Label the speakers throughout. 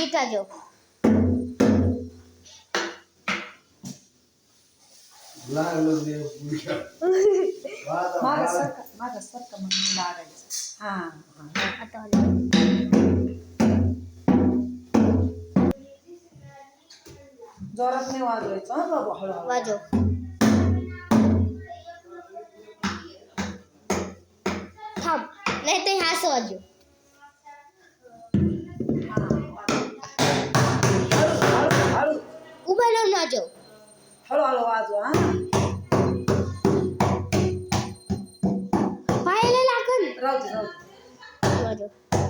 Speaker 1: NEET वाजव.
Speaker 2: माझा सरका मग मी लागायचं. हा
Speaker 1: आता वाजव.
Speaker 2: जोरात नाही वाजवायचं हा बाबा, हळूहळू
Speaker 1: वाजव. थांब, नाही तर ह्या असं वाजव.
Speaker 2: हळू
Speaker 1: उभं राहून वाजव.
Speaker 2: हळूहळू वाजवा.
Speaker 1: पायाला लागल.
Speaker 2: राहू दे.
Speaker 1: वाजव.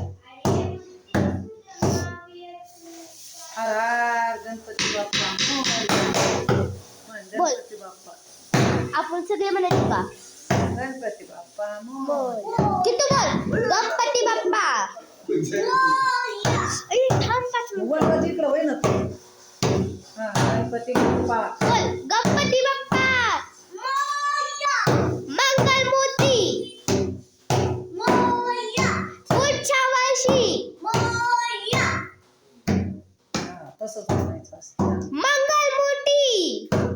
Speaker 2: हर हर गणपती बाप्पा
Speaker 1: बोल.
Speaker 2: गणपती बाप्पा,
Speaker 1: आपण सगळे म्हणायचं का?
Speaker 2: गणपती बाप्पा
Speaker 1: बोल. किती बोल. गणपती बाप्पा. ए, थांब 5 मिनिटं.
Speaker 2: वळवा इकडं होय ना तू. हा, गणपती बाप्पा.
Speaker 1: बोल. गणपती बाप्पा. मंगलमूर्ती. पुढच्या वर्षी.
Speaker 2: हा, तसंच म्हणायचं असतं.
Speaker 1: मंगलमूर्ती.